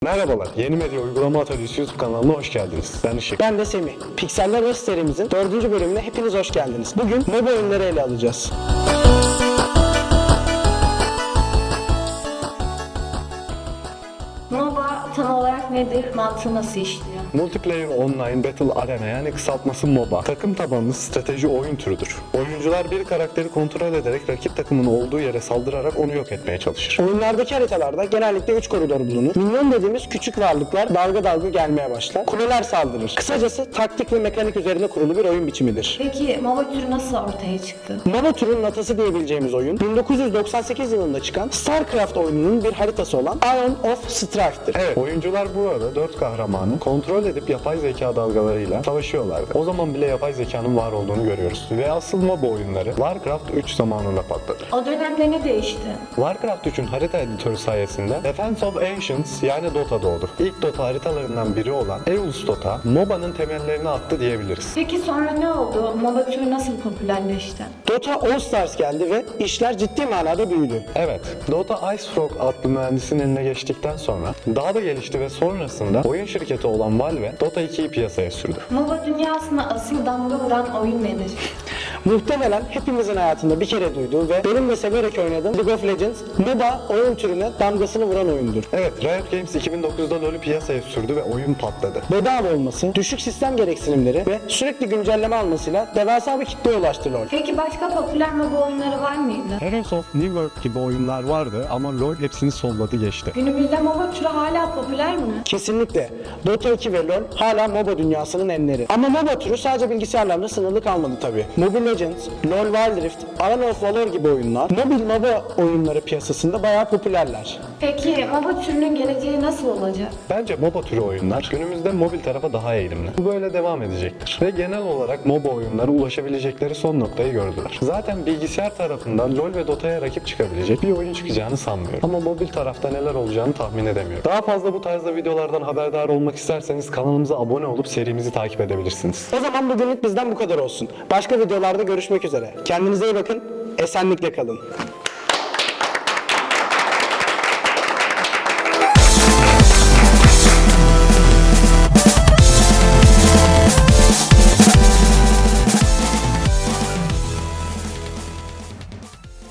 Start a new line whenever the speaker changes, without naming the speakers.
Merhabalar, Yeni Medya Uygulama Atölyesi YouTube kanalına hoş geldiniz. Ben Işık.
Ben de Semih. Pikseller Rust serimizin 4. bölümüne hepiniz hoş geldiniz. Bugün MOBA oyunları ele alacağız.
MOBA tam olarak nedir? Mantığı nasıl işliyor?
Multiplayer Online Battle Arena yani kısaltması MOBA. Takım tabanlı strateji oyun türüdür. Oyuncular bir karakteri kontrol ederek rakip takımın olduğu yere saldırarak onu yok etmeye çalışır.
Oyunlardaki haritalarda genellikle 3 koridor bulunur. Minyon dediğimiz küçük varlıklar dalga dalga gelmeye başlar. Kuleler saldırır. Kısacası taktik ve mekanik üzerine kurulu bir oyun biçimidir.
Peki MOBA türü nasıl ortaya çıktı?
MOBA türünün atası diyebileceğimiz oyun 1998 yılında çıkan StarCraft oyununun bir haritası olan Iron of Strife'dir.
Evet, oyuncular bu arada 4 kahramanı kontrol edip yapay zeka dalgalarıyla savaşıyorlardı. O zaman bile yapay zekanın var olduğunu görüyoruz. Ve asıl MOBA oyunları Warcraft 3 zamanında patladı.
O dönemde ne değişti?
Warcraft 3'ün harita editörü sayesinde Defense of Ancients yani Dota doğdu. İlk Dota haritalarından biri olan Eul's Dota, MOBA'nın temellerini attı diyebiliriz.
Peki sonra ne oldu? MOBA türü nasıl popülerleşti?
Dota All Stars geldi ve işler ciddi manada büyüdü.
Evet, Dota Ice Frog adlı mühendisin eline geçtikten sonra daha da gelişti ve sonrasında oyun şirketi olan Valve Dota 2'yi piyasaya sürdü.
MOBA dünyasına asıl damga vuran oyun nedir?
Muhtemelen hepimizin hayatında bir kere duyduğu ve benim de severek oynadığım League of Legends, MOBA oyun türüne damgasını vuran oyundur.
Evet, Riot Games 2009'da LoL'ü piyasaya sürdü ve oyun patladı.
Bedava olması, düşük sistem gereksinimleri ve sürekli güncelleme almasıyla devasa bir kitleye ulaştı LoL.
Peki başka popüler MOBA oyunları var mıydı?
Heroes of New World gibi oyunlar vardı ama LoL hepsini solladı geçti.
Günümüzde MOBA türü hala popüler mi?
Kesinlikle. Dota 2 ve LoL hala MOBA dünyasının enleri. Ama MOBA türü sadece bilgisayarlarla sınırlı kalmadı tabii. Mobile Legends, LoL Wild Rift, Arena of Valor gibi oyunlar mobil MOBA oyunları piyasasında bayağı popülerler.
Peki MOBA türünün geleceği nasıl olacak?
Bence MOBA türü oyunlar günümüzde mobil tarafa daha eğilimli. Bu böyle devam edecektir. Ve genel olarak MOBA oyunları ulaşabilecekleri son noktayı gördüler. Zaten bilgisayar tarafından LoL ve Dota'ya rakip çıkabilecek bir oyun çıkacağını sanmıyorum. Ama mobil tarafta neler olacağını tahmin edemiyorum. Daha fazla bu tarzda videolardan haberdar olmak isterseniz kanalımıza abone olup serimizi takip edebilirsiniz.
O zaman bugünlük bizden bu kadar olsun. Başka videolarda görüşmek üzere. Kendinize iyi bakın, esenlikle kalın.